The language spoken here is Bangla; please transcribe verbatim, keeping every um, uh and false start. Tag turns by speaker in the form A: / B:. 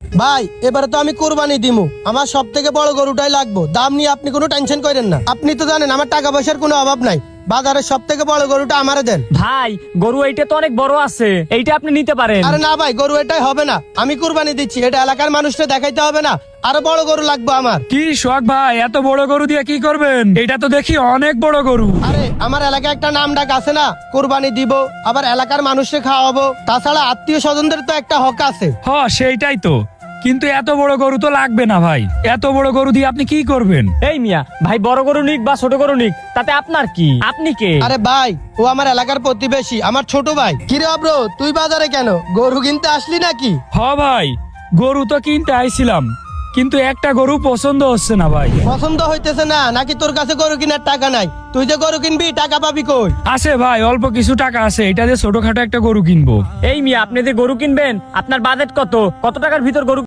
A: ভাই এবারে তো আমি কোরবানি দিমু, আমার সব থেকে বড় গরুটাই লাগবো। দাম নিয়ে আপনি কোনো টেনশন করেন না। আপনি তো জানেন আমার টাকা পয়সার কোনো অভাব নাই। বাজারের সব থেকে বড় গরুটা আমারে দেন।
B: ভাই গরু এইটা তো অনেক বড় আছে, এইটা আপনি নিতে পারেন।
A: আরে না ভাই, গরু এটাই হবে না। আমি কুরবানি দিচ্ছি, এটা এলাকার মানুষকে দেখাইতে হবে না। আরো বড় গরু লাগবে আমার।
C: কি শখ ভাই, এত বড় গরু দিয়ে কি করবেন? এটা তো দেখি অনেক বড় গরু।
A: আরে আমার এলাকায় একটা নাম ডাক আছে না, কুরবানি দিব আবার এলাকার মানুষকে খাওয়াবো, তাছাড়া আত্মীয় স্বজনদের তো একটা হক আছে।
C: হ সেইটাই তো, কিন্তু এত বড় গরু তো লাগবে না ভাই। এত বড় গরু দিয়ে আপনি কি করবেন?
B: এই মিয়া, ভাই বড় গরু নিক বা ছোট গরু নিক, তাতে আপনার কি? আপনি কে?
A: আরে ভাই, ও আমার এলাকার প্রতিবেশী, আমার ছোট ভাই। কিরে অব্র, তুই বাজারে কেন? গরু কিনতে আসলি নাকি?
C: হ ভাই, গরু তো কিনতে আইছিলাম, কিন্তু একটা গরু পছন্দ হচ্ছে না ভাই।
A: পছন্দ হইতেছে না নাকি তোর কাছে গরু কেনার টাকা নাই? তুই যে গরু কিনবি টাকা পাবি কই?
C: আছে ভাই, অল্প কিছু টাকা আছে, এটা দিয়ে ছোটখাটো একটা গরু কিনবো।
B: এই মিয়া, আপনি যে গরু কিনবেন আপনার বাজেট কত? কত টাকার ভিতর গরু